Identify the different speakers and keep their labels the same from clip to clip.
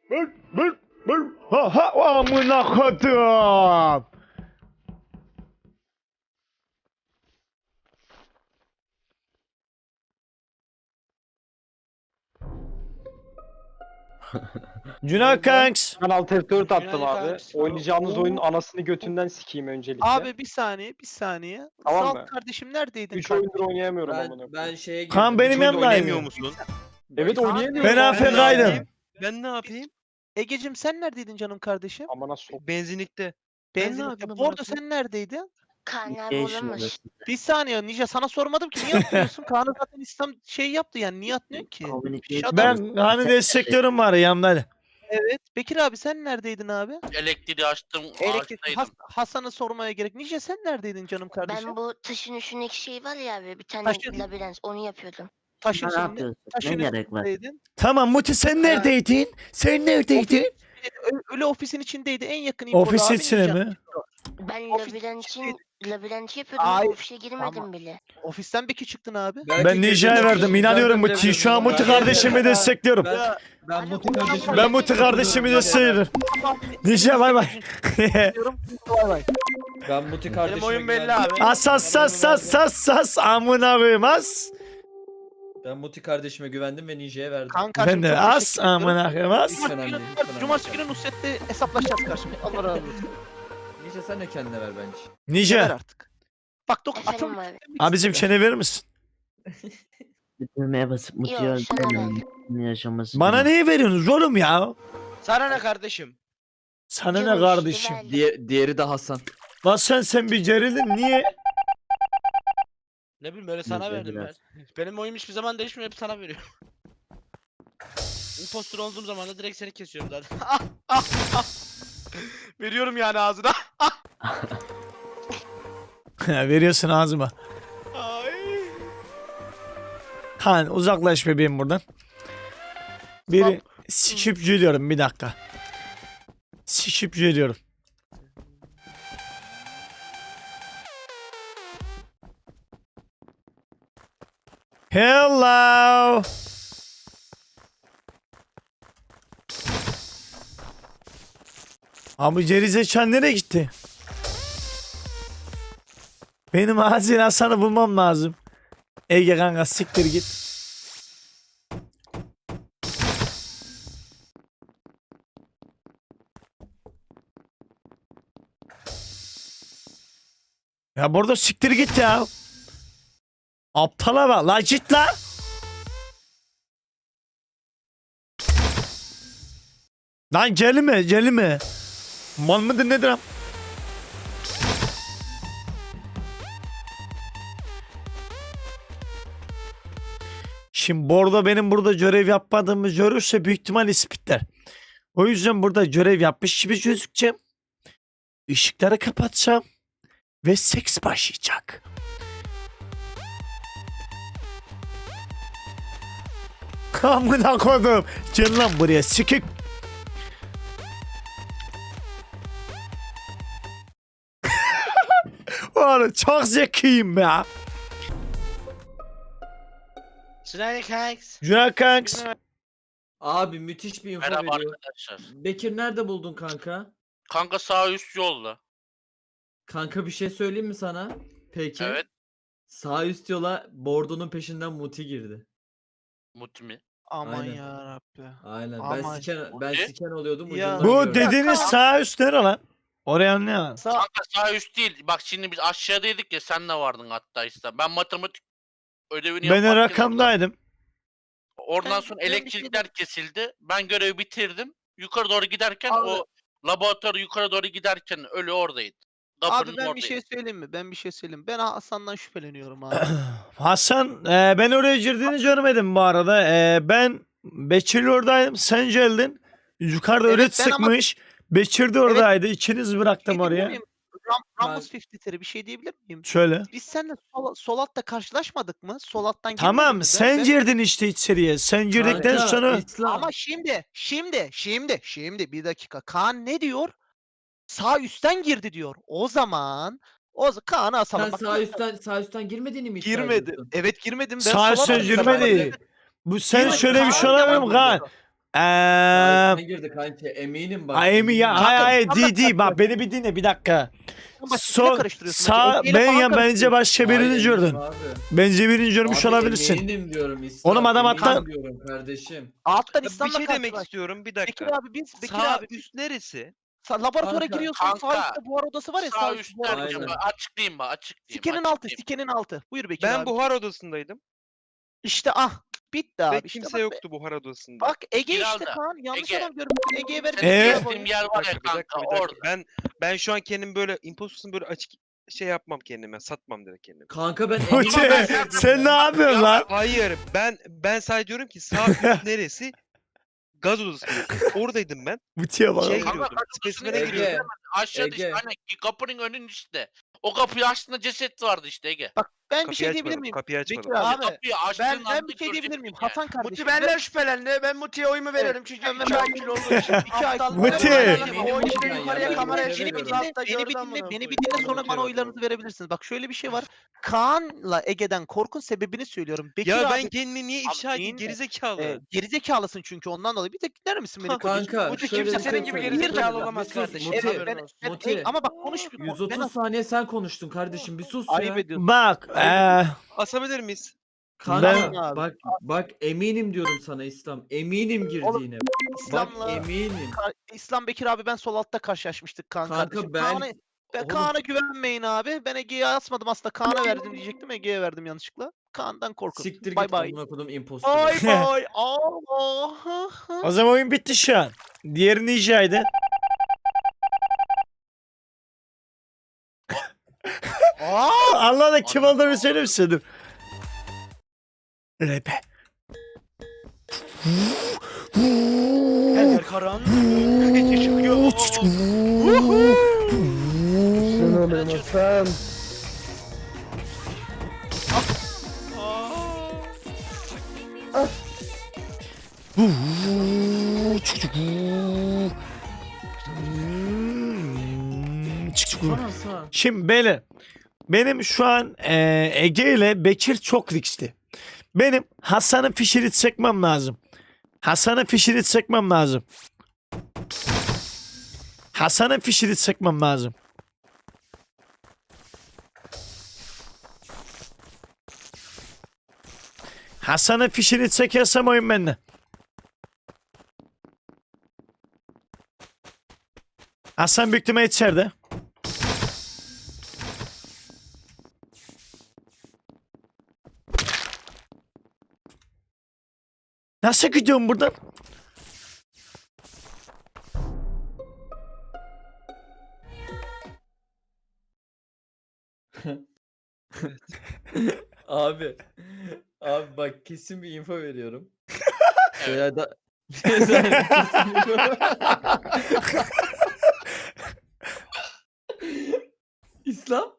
Speaker 1: Ha ha amına kodum. Cüneyt Kanks.
Speaker 2: Ben alt F4 attım
Speaker 3: Günaydın
Speaker 2: abi.
Speaker 3: kanks.
Speaker 2: Oynayacağımız
Speaker 3: Oo.
Speaker 2: oyunun anasını götünden sikeyim öncelikle.
Speaker 3: Abi bir saniye.
Speaker 2: Tamam
Speaker 3: Salt
Speaker 2: mı?
Speaker 3: kardeşim neredeydin
Speaker 2: 3
Speaker 3: kardeşim?
Speaker 2: oyundur oynayamıyorum amına
Speaker 4: Ben,
Speaker 2: koyayım.
Speaker 4: ben şeye girdim.
Speaker 1: Kaan benim
Speaker 4: Hiç oyun
Speaker 1: yanımdaydı.
Speaker 4: oynayamıyor musun?
Speaker 2: Evet
Speaker 3: Kaan,
Speaker 2: oynayamıyorum.
Speaker 1: Ben
Speaker 2: abi.
Speaker 1: AFK'ydım.
Speaker 5: Ben ne yapayım?
Speaker 3: Egecim sen neredeydin canım kardeşim?
Speaker 2: Amına sok.
Speaker 5: Benzinlikte. Ben ne
Speaker 3: Benzinlikte.
Speaker 5: yapayım amına
Speaker 3: Bordo
Speaker 5: koyayım?
Speaker 3: sen neredeydin?
Speaker 6: Kaan abi olamaz.
Speaker 3: Bir saniye Ninja sana sormadım ki niye atmıyorsun? Kaan'ı zaten İslam şey yaptı yani niye atmıyorsun ki? Shut up.
Speaker 1: Ben hani destekliyorum var yanımda.
Speaker 3: Evet. Bekir abi sen neredeydin abi?
Speaker 7: Elektriği açtım,
Speaker 3: Elektrik
Speaker 7: ağaçtaydım.
Speaker 3: Hasan'ı sormaya gerek. Ninja sen neredeydin canım kardeşim?
Speaker 6: Ben bu taşın üstündeki şey var ya abi bir tane
Speaker 3: Taşın-
Speaker 6: labirent onu yapıyordum.
Speaker 3: Taşın
Speaker 8: Ne
Speaker 3: içinde.
Speaker 8: yapıyorsun?
Speaker 3: Taşın
Speaker 8: Ne gerek var?
Speaker 3: üstündeydin.
Speaker 1: Tamam Muti sen neredeydin? Sen neredeydin?
Speaker 3: Ölü ofisin içindeydi. En yakın info
Speaker 1: Ofis
Speaker 3: abi
Speaker 1: içine
Speaker 3: Ninja.
Speaker 1: mi?
Speaker 6: Ben
Speaker 3: Ofis
Speaker 6: labirent yapıyordum
Speaker 3: Ay,
Speaker 6: ama ofise girmedim
Speaker 3: tamam.
Speaker 6: bile.
Speaker 3: Ofisten Beki çıktın abi.
Speaker 1: Ben Ninja'ya verdim. İnanıyorum Muti. Şu an Muti kardeşimi destekliyorum.
Speaker 4: Ben Muti kardeşim.
Speaker 1: Ben Muti kardeşimi destekliyorum. Ninja bay bay.
Speaker 3: Bay bay.
Speaker 4: Ben Muti kardeşime
Speaker 5: oyun belli
Speaker 4: güvendim.
Speaker 5: abi.
Speaker 1: As as as as as as amına koyayım as.
Speaker 4: Ben Muti kardeşime güvendim ve Ninja'ya verdim.
Speaker 3: Kanka
Speaker 1: Ben de as amına koyayım as.
Speaker 4: Hiç önemli değil, hiç önemli
Speaker 3: Cumartesi
Speaker 4: değil.
Speaker 3: günü Nusret'le hesaplaşacağız karşımda. Allah razı olsun.
Speaker 4: Ninja sen de kendine ver bence.
Speaker 3: Ver
Speaker 1: Ninja.
Speaker 3: artık. Bak
Speaker 6: Efendim abi.
Speaker 1: Abicim çene verir misin?
Speaker 8: Bir düğmeye basıp
Speaker 6: Yok,
Speaker 8: mutuyu
Speaker 6: sana
Speaker 8: öldüremiyorum. Bunun yaşaması.
Speaker 1: Bana niye veriyorsunuz oğlum ya?
Speaker 5: Sana ne kardeşim?
Speaker 1: Sana ne
Speaker 6: Canım
Speaker 1: kardeşim?
Speaker 6: işte verdim.
Speaker 4: Diğeri de Hasan.
Speaker 1: Lan sen bir gerildin niye?
Speaker 5: Ne bileyim böyle sana
Speaker 8: Neyse,
Speaker 5: verdim ben.
Speaker 8: biraz.
Speaker 5: Benim oyum hiçbir zaman değişmiyor hep sana veriyorum. Impostor olduğum zaman da direkt seni kesiyorum zaten. Veriyorum yani ağzına.
Speaker 1: Veriyorsun ağzıma.
Speaker 5: Ay.
Speaker 1: Kaan uzaklaş bebeğim buradan. Biri sikip geliyorum bir dakika. Sikip geliyorum. Hello. Abi Cerizechan nereye gitti? Benim acil Hasan'ı bulmam lazım. Ege kanka siktir git. Ya burada siktir git ya. Aptala bak la git la. Lan gelme. Mal mıdır nedir am? Şimdi Bordo benim burada görev yapmadığımı görürse büyük ihtimal ispitler. O yüzden burada görev yapmış gibi gözükeceğim. Işıkları kapatacağım. Ve seks başlayacak. Kamına kodum. Gel lan buraya sikik. Oğlum çok zekiyim ya.
Speaker 5: Sniper Kanks.
Speaker 1: Cüneyt Kanks.
Speaker 4: Abi müthiş bir info
Speaker 7: Merhaba
Speaker 4: veriyor.
Speaker 7: arkadaşlar.
Speaker 4: Bekir nerede buldun kanka?
Speaker 7: Kanka sağ üst yolda.
Speaker 4: Kanka bir şey söyleyeyim mi sana? Peki.
Speaker 7: Evet.
Speaker 4: Sağ üst yola Bordo'nun peşinden Muti girdi.
Speaker 7: Muti mi?
Speaker 3: Aman
Speaker 4: Aynen.
Speaker 3: ya Rabbi.
Speaker 4: Aynen.
Speaker 3: Aman.
Speaker 4: Ben
Speaker 7: Muti?
Speaker 4: siken oluyordum.
Speaker 3: Ya.
Speaker 4: ucundan
Speaker 1: Bu
Speaker 4: gördüm.
Speaker 1: dediğiniz sağ üst nere lan? Oraya ne lan?
Speaker 3: Sağ
Speaker 7: Kanka sağ üst değil. Bak şimdi biz aşağıdaydık ya sen de vardın hatta işte. Ben matematik ödevini
Speaker 1: Ben
Speaker 7: yaparken
Speaker 1: rakamdaydım.
Speaker 7: Oradan sonra
Speaker 3: Ben bir şey
Speaker 7: elektrikler kesildi. Ben görevi bitirdim. Yukarı doğru giderken
Speaker 3: Abi.
Speaker 7: o laboratuvar yukarı doğru giderken ölü oradaydı.
Speaker 3: Abi
Speaker 7: Kapının
Speaker 3: ben bir
Speaker 7: oradaydı.
Speaker 3: şey söyleyeyim mi? Ben Hasan'dan şüpheleniyorum abi.
Speaker 1: Hasan ben oraya girdiğini görmedim bu arada. Ben Bekir'le oradaydım. Sen geldin. Yukarıda
Speaker 3: Evet,
Speaker 1: öğret
Speaker 3: ben ama-
Speaker 1: sıkmış. Bekir de oradaydı. İkiniz bıraktım
Speaker 3: Bir şey diyebilir
Speaker 1: oraya.
Speaker 3: miyim? Ramos 53'leri bir şey diyebilir miyim?
Speaker 1: Şöyle.
Speaker 3: Biz seninle sol altta karşılaşmadık mı? Sol alttan girmedin
Speaker 1: Tamam
Speaker 3: mi?
Speaker 1: sen girdin işte içeriye. Sen girdikten
Speaker 4: Kanka,
Speaker 1: sonra
Speaker 4: İslam.
Speaker 3: Ama şimdi bir dakika. Kaan ne diyor? Sağ üstten girdi diyor. O zaman Kaan'ı asalım.
Speaker 4: Sen
Speaker 3: Bak,
Speaker 4: sağ üstten girmediğini mi iddia
Speaker 3: girmedi.
Speaker 4: ediyorsun?
Speaker 3: Evet girmedim. Ben
Speaker 1: sağ
Speaker 3: sola
Speaker 1: üstten
Speaker 3: baktım.
Speaker 1: girmedi. Bu sen
Speaker 3: Girmedi.
Speaker 1: şöyle bir şey
Speaker 3: Kaan
Speaker 1: olabilir mi
Speaker 3: yalan
Speaker 1: Kaan?
Speaker 3: söylüyor.
Speaker 4: Ay, ne girdi kanka eminim bak.
Speaker 1: Emi ya
Speaker 4: eminim.
Speaker 1: hayır
Speaker 3: Kanka,
Speaker 1: değil bak beni bir dinle bir dakika.
Speaker 3: Başka
Speaker 1: Sol
Speaker 3: karıştırıyorsun.
Speaker 1: sağ
Speaker 3: Ege ile
Speaker 1: ben
Speaker 3: falan
Speaker 1: ya bence
Speaker 3: karıştırıyorsun.
Speaker 1: başka birini
Speaker 4: Hayır,
Speaker 1: gördün.
Speaker 4: eminim abi.
Speaker 1: Bence birini görmüş
Speaker 4: Abi
Speaker 1: olabilirsin.
Speaker 4: eminim diyorum İslam.
Speaker 1: Oğlum adam
Speaker 4: eminim
Speaker 1: hatta-
Speaker 4: diyorum kardeşim.
Speaker 3: Alttan
Speaker 9: Bir
Speaker 3: İslam'la
Speaker 9: şey demek
Speaker 3: karşılaş.
Speaker 9: istiyorum bir
Speaker 3: Bekir
Speaker 9: dakika.
Speaker 3: abi Bekir
Speaker 9: Sağ
Speaker 3: abi
Speaker 9: üst neresi?
Speaker 3: laboratuvara
Speaker 4: Kanka,
Speaker 3: giriyorsun sağ
Speaker 7: kanka,
Speaker 3: üstte buhar odası var ya
Speaker 7: Sağ üst
Speaker 3: buhar
Speaker 7: derken
Speaker 4: Aynen.
Speaker 3: odası.
Speaker 7: açıklayayım bak açıklayayım.
Speaker 3: Sikenin altı
Speaker 7: açıklayayım.
Speaker 3: sikenin altı. Buyur Bekir
Speaker 9: Ben
Speaker 3: abi.
Speaker 9: buhar odasındaydım
Speaker 3: İşte bitti abi.
Speaker 9: ve
Speaker 3: işte
Speaker 9: kimse
Speaker 3: bak,
Speaker 9: yoktu buhar odasında.
Speaker 3: Bak Ege
Speaker 7: Giralda,
Speaker 3: işte Kaan yanlış
Speaker 7: Ege.
Speaker 3: adam görmüşsün Ege'ye ver.
Speaker 7: Senin
Speaker 1: Evet.
Speaker 7: gezdiğin yer var ya kanka
Speaker 9: bir dakika.
Speaker 7: orada.
Speaker 9: Ben şu an kendimi böyle imposter'sın böyle açık şey yapmam kendime. Satmam direkt kendimi.
Speaker 4: Kanka ben
Speaker 1: Muti
Speaker 4: eminim.
Speaker 1: sen ne yapıyorsun lan?
Speaker 9: Hayır ben sadece diyorum ki sağ üst neresi? Gaz odası diyorsun. Oradaydım ben.
Speaker 1: Muti'ye bak.
Speaker 9: Şeye
Speaker 7: Kanka,
Speaker 9: giriyordum.
Speaker 7: kaç
Speaker 9: Spesimen'e
Speaker 7: odasına
Speaker 9: giriyordum.
Speaker 4: Ege.
Speaker 7: Aşağıda işte
Speaker 4: Ege.
Speaker 7: hani kapının önünün işte. O kapıyı açtığında ceset vardı işte Ege.
Speaker 3: Bak ben bir
Speaker 9: Kapıyı
Speaker 3: şey diyebilir
Speaker 9: açmadım.
Speaker 3: miyim?
Speaker 9: Kapıyı açmadım.
Speaker 3: Bekir abi.
Speaker 5: Abi,
Speaker 7: Kapıyı açtığın
Speaker 3: Ben
Speaker 7: anda
Speaker 3: bir şey diyebilir miyim?
Speaker 7: göreceksin yani.
Speaker 3: Hasan kardeşim.
Speaker 5: Muti benden şüphelendi. Ben Muti'ye oyumu veriyorum çünkü
Speaker 3: Evet,
Speaker 5: 2 IQ olduğu için.
Speaker 3: İki
Speaker 5: Aptal
Speaker 3: IQ.
Speaker 5: bir
Speaker 1: Muti.
Speaker 5: adam.
Speaker 4: Eminim
Speaker 5: O işte
Speaker 4: ben ya,
Speaker 5: yukarıya
Speaker 4: ben
Speaker 5: kameraya
Speaker 4: Muti'ye
Speaker 5: çekip
Speaker 4: veriyorum.
Speaker 5: altta
Speaker 3: Beni bir
Speaker 5: gördüm
Speaker 3: dinle,
Speaker 5: bunu.
Speaker 3: beni bir dinle sonra bana oylarınızı verebilirsiniz. Bak şöyle bir şey var. Kaan'la Ege'den korkun sebebini söylüyorum. Bekir
Speaker 9: Ya
Speaker 3: abi,
Speaker 9: ben kendimi niye ifşa edeyim
Speaker 3: dinle.
Speaker 9: gerizekalı?
Speaker 3: Gerizekalısın çünkü ondan dolayı. Bir tek dinler misin beni kocacığım?
Speaker 4: Kanka
Speaker 5: Muti
Speaker 4: şöyle
Speaker 5: kimse
Speaker 4: bir
Speaker 5: senin
Speaker 4: şey
Speaker 5: gibi
Speaker 4: söyleyeyim.
Speaker 5: gerizekalı
Speaker 4: Bir
Speaker 5: olamaz
Speaker 4: sus,
Speaker 5: kardeşim.
Speaker 4: Muti,
Speaker 5: Haberin olsun.
Speaker 4: Muti.
Speaker 3: Ama bak konuş.
Speaker 4: 130 saniye sen konuştun kardeşim bir sus
Speaker 3: Ayıp
Speaker 4: ya.
Speaker 3: ediyorsun.
Speaker 1: Bak
Speaker 9: Asabilir miyiz?
Speaker 4: Kanka
Speaker 1: Ben-
Speaker 4: bak eminim diyorum sana İslam. Eminim girdiğine. Bak
Speaker 3: İslam'la
Speaker 4: eminim.
Speaker 3: İslam Bekir abi ben sol altta karşılaşmıştık Kaan
Speaker 4: Kanka
Speaker 3: kardeşim.
Speaker 4: ben-
Speaker 3: Ben
Speaker 4: Oğlum-
Speaker 3: Kaan'a güvenmeyin abi. Ben Ege'ye asmadım aslında. Kaan'a verdim diyecektim. Ege'ye verdim yanlışlıkla. Kaan'dan korkun.
Speaker 4: Siktir
Speaker 3: Bay
Speaker 4: git
Speaker 3: bay.
Speaker 4: amına kodum imposter.
Speaker 3: Bay bay. Allah.
Speaker 1: o zaman oyun bitti şu an. Diğeri Ninja'ydı.
Speaker 3: Aa!
Speaker 1: Anladın kim olduğunu söyler misin? Dur. Repe.
Speaker 5: Eller karanlık. Çıkıyor.
Speaker 2: Sen oynamasan.
Speaker 4: Sana sağ.
Speaker 1: Şimdi beyler benim şu an Ege ile Bekir çok riskli. Benim Hasan'ın fişini çekmem lazım. Hasan'ın fişini çekmem lazım. Hasan'ın fişini çekmem lazım. Hasan'ın fişini çekersem oyun bende. Hasan büyük ihtimalle içeride. Nasıl gidiyorum buradan?
Speaker 4: Abi. Abi bak kesin bir info veriyorum.
Speaker 7: Evet.
Speaker 4: Veya da kesin info- İslam?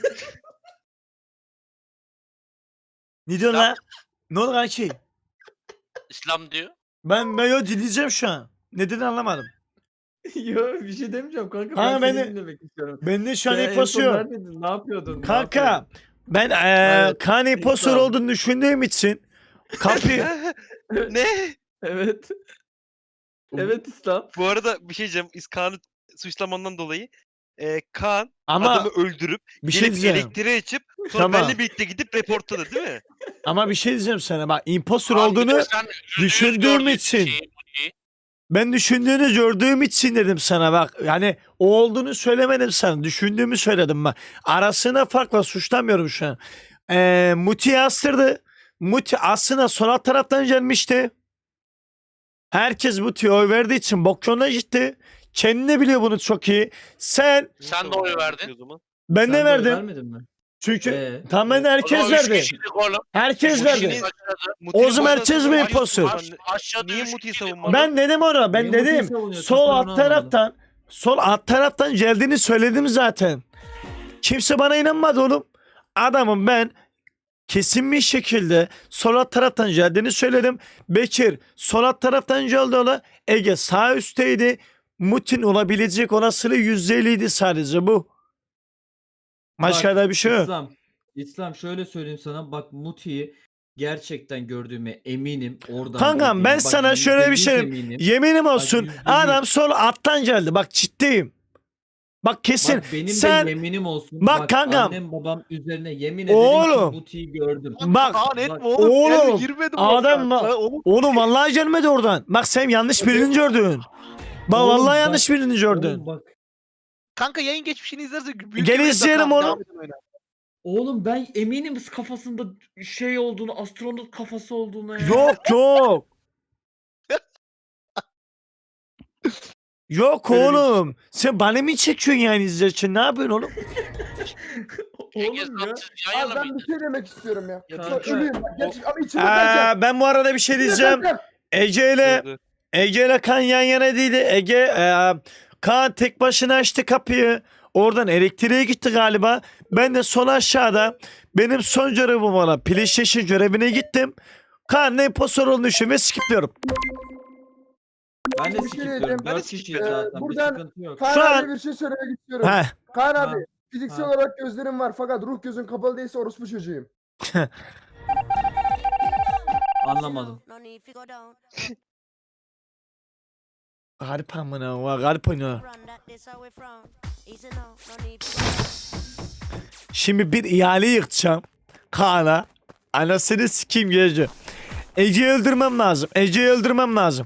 Speaker 1: Ne diyorsun lan? Ne oldu kanki?
Speaker 7: İslam diyor.
Speaker 1: Ben yo dinleyeceğim şu an. Ne dediğini anlamadım.
Speaker 4: Yok bir şey demeyeceğim kanka.
Speaker 1: Kanka,
Speaker 4: Ben
Speaker 1: beni-
Speaker 4: seni dinlemek istiyorum.
Speaker 1: Ben de şu an
Speaker 4: Sen en
Speaker 1: infosu
Speaker 4: son
Speaker 1: yok.
Speaker 4: neredeydin? Ne yapıyordun? Ne
Speaker 1: Kanka
Speaker 4: yapıyordun?
Speaker 1: ben
Speaker 4: Evet,
Speaker 1: Kaan impostor
Speaker 4: İslam.
Speaker 1: olduğunu düşündüğüm için kapıyı
Speaker 9: Ne?
Speaker 4: Evet. Evet İslam.
Speaker 9: Bu arada bir şey diyeceğim. Kaan'ı suçlamandan dolayı Kaan
Speaker 1: ama
Speaker 9: adamı öldürüp
Speaker 1: bir şey
Speaker 9: gelip
Speaker 1: diyeceğim.
Speaker 9: elektriği açıp sonra
Speaker 1: Tamam.
Speaker 9: benimle birlikte gidip reportladı değil mi?
Speaker 1: Ama bir şey diyeceğim sana bak impostor
Speaker 7: Abi
Speaker 1: olduğunu
Speaker 7: sen %100
Speaker 1: düşündüğüm
Speaker 7: gördüğün
Speaker 1: için.
Speaker 7: şeyi, Muti.
Speaker 1: ben düşündüğünü gördüğüm için dedim sana bak. Yani o olduğunu söylemedim sana. Düşündüğümü söyledim bak. Arasında fark var suçlamıyorum şu an. Muti astırdı. Muti aslında sol alt taraftan gelmişti. Herkes Muti'ye oy verdiği için bok yoluna gitti. Kendi biliyor bunu çok iyi.
Speaker 7: Sen de
Speaker 9: Nasıl
Speaker 7: oy
Speaker 9: oldu
Speaker 7: verdin.
Speaker 9: o zaman?
Speaker 1: Ben
Speaker 4: Sen
Speaker 1: de
Speaker 4: de oy
Speaker 1: verdim.
Speaker 4: vermedin mi?
Speaker 1: Çünkü tam ben de
Speaker 7: O
Speaker 1: herkes
Speaker 7: zaman üç
Speaker 1: verdi.
Speaker 7: kişilik oğlum.
Speaker 1: Herkes
Speaker 9: Üç
Speaker 1: verdi.
Speaker 9: kişinin-
Speaker 7: Aşağıda-
Speaker 9: Muti'yi
Speaker 1: O zaman herkes mi
Speaker 9: savunmadın?
Speaker 1: imposter?
Speaker 7: Aşağıda
Speaker 9: Niye
Speaker 7: üç
Speaker 9: Muti'yi
Speaker 7: kişilik
Speaker 9: savunmadın?
Speaker 1: Ben dedim ona. Ben
Speaker 4: Niye Muti'yi
Speaker 1: dedim.
Speaker 4: savunuyorsun?
Speaker 1: Sol
Speaker 4: Ben
Speaker 1: alt
Speaker 4: onu anlamadım.
Speaker 1: taraftan. Sol alt taraftan geldiğini söyledim zaten. Kimse bana inanmadı oğlum. Adamım ben kesin bir şekilde sol alt taraftan geldiğini söyledim. Bekir sol alt taraftan geldi ola. Ege sağ üstteydi. Mutin olabilecek olasılığı %50'ydi sadece bu. Başka
Speaker 4: Bak,
Speaker 1: da bir şey yok.
Speaker 4: İslam şöyle söyleyeyim sana. Bak Muti'yi gerçekten gördüğüme eminim. Oradan
Speaker 1: Kankam
Speaker 4: gördüğüme.
Speaker 1: ben
Speaker 4: Bak,
Speaker 1: sana şöyle bir
Speaker 4: %100
Speaker 1: şey
Speaker 4: eminim.
Speaker 1: yeminim olsun.
Speaker 4: %100.
Speaker 1: Adam sol alttan geldi. Bak ciddiyim. Bak kesin.
Speaker 4: Bak benim
Speaker 1: Sen
Speaker 4: de yeminim olsun.
Speaker 1: Bak kankam.
Speaker 4: Annem babam üzerine yemin ederim
Speaker 1: Oğlum.
Speaker 4: ki butiği gördüm.
Speaker 1: Bak,
Speaker 3: Kaan etme
Speaker 4: bak-
Speaker 3: oğlum.
Speaker 1: oğlum,
Speaker 3: Girmedim
Speaker 1: adam
Speaker 3: oradan.
Speaker 1: bak-
Speaker 3: Oğlum,
Speaker 1: oğlum vallahi gelmedi oradan. Bak sen yanlış birini gördün. Bak
Speaker 4: Oğlum
Speaker 1: vallahi
Speaker 4: bak-
Speaker 1: yanlış birini gördün.
Speaker 4: Oğlum bak.
Speaker 3: kanka yayın geçmişini izlerse büyük
Speaker 1: Gel
Speaker 3: ihtimalle
Speaker 1: izleyelim
Speaker 3: Kaan
Speaker 1: onu.
Speaker 3: devam edin oyuna.
Speaker 4: Oğlum ben eminim kafasında şey olduğunu, astronot kafası olduğunu ya.
Speaker 1: Yok yok. Yok
Speaker 4: Öyle bir-
Speaker 1: oğlum. Sen bana mı çekiyorsun yani izlerken? Ne yapıyorsun oğlum?
Speaker 7: Ege
Speaker 4: Oğlum ya.
Speaker 7: sen siz yan
Speaker 2: Abi
Speaker 7: yana
Speaker 2: ben bir
Speaker 7: mıydınız?
Speaker 2: şey demek istiyorum ya.
Speaker 4: Ya
Speaker 2: Bak,
Speaker 4: kanka,
Speaker 2: ölüyüm bak. Gerçek, ama içime kalacak.
Speaker 1: Ben bu arada bir şey diyeceğim. Ege ile Kaan yan yana değildi. Kaan tek başına açtı kapıyı. Oradan elektriğe gitti galiba. Ben de sol aşağıda benim son görevim olan PlayStation görevine gittim. Kaan ne impostor olduğunu düşünüyorum ve skipliyorum.
Speaker 4: Ben de
Speaker 2: Bir şey
Speaker 4: skipliyorum.
Speaker 2: diyeceğim.
Speaker 4: 4
Speaker 3: de
Speaker 4: kişiyiz
Speaker 3: skipliyorum.
Speaker 4: zaten.
Speaker 2: Buradan-
Speaker 4: Bir sıkıntı yok.
Speaker 2: Kaan
Speaker 1: Şu
Speaker 2: abi
Speaker 1: an-
Speaker 2: bir şey söylemek istiyorum.
Speaker 1: Heh.
Speaker 2: Kaan
Speaker 4: Ha,
Speaker 2: abi fiziksel
Speaker 4: ha.
Speaker 2: olarak gözlerim var fakat ruh gözün kapalı değilse orospu çocuğuyum.
Speaker 4: Anlamadım.
Speaker 1: Garip amına var garip oynuyor. Şimdi bir ihale yıkacağım. Kaan'a. Anasını sikeyim gece. Ece'yi öldürmem lazım. Ece'yi öldürmem lazım.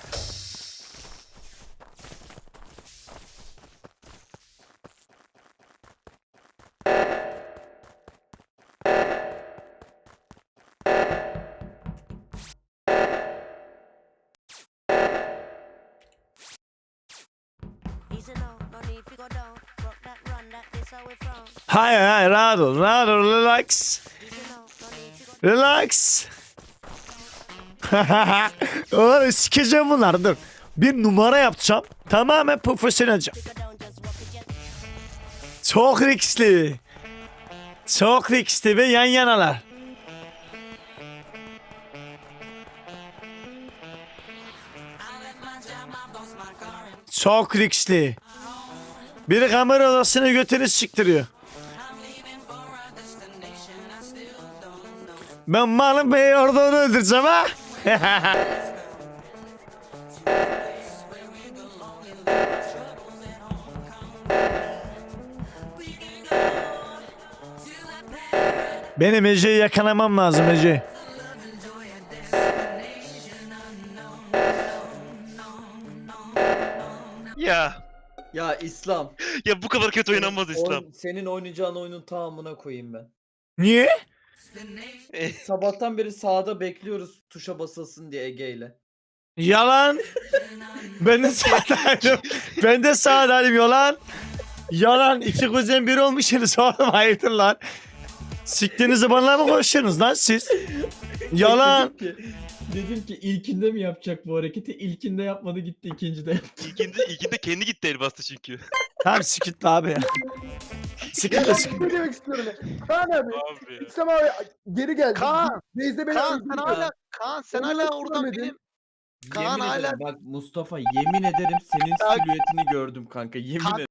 Speaker 1: Hayır hayır rahat ol. Rahat ol. Relax. Relax. Oğlum sikeceğim bunları dur. Bir numara yapacağım. Tamamen profesyonelce. Çok riskli. Çok riskli ve yan yanalar. Çok riskli. Biri kamera odasına götünü siktiriyor. Ben Malum Bey'i orada onu öldüreceğim ha. Benim Ece'yi yakalamam lazım Ece.
Speaker 9: Ya.
Speaker 4: Ya İslam.
Speaker 9: Ya bu kadar kötü oynanmaz İslam.
Speaker 4: Senin oynayacağın oyunun tamamına koyayım ben.
Speaker 1: Niye?
Speaker 4: Sabahtan beri sağda bekliyoruz tuşa basılsın diye Ege ile.
Speaker 1: Yalan. Ben de sağdaydım. Ben de sağdaydım yalan. Yalan. İki kuzen biri olmuşsunuz oğlum hayırdır lan. Siktiğinizi bana mı konuşuyorsunuz lan siz? Yalan.
Speaker 4: Dedim ki ilkinde mi yapacak bu hareketi? İlkinde yapmadı gitti ikincide yaptı.
Speaker 9: İlkinde kendi gitti el bastı çünkü.
Speaker 1: Tamam sikitli abi ya.
Speaker 2: Ya
Speaker 1: Sikitli
Speaker 2: ben bir
Speaker 1: sikitli.
Speaker 2: şey demek istiyorum ya. Kaan abi.
Speaker 5: Abi.
Speaker 2: İslam abi geri geldi.
Speaker 3: Kaan,
Speaker 2: Base'de beni
Speaker 3: Kaan
Speaker 2: öldürdü.
Speaker 3: sen hala Kaan sen
Speaker 2: Onu
Speaker 3: hala
Speaker 2: nasıl
Speaker 3: oradan
Speaker 2: görmedin?
Speaker 3: benim Kaan
Speaker 4: Yemin
Speaker 3: hala
Speaker 4: ederim bak Mustafa yemin ederim senin
Speaker 3: Ya-
Speaker 4: silüetini gördüm kanka yemin
Speaker 3: Kanka,
Speaker 4: ederim.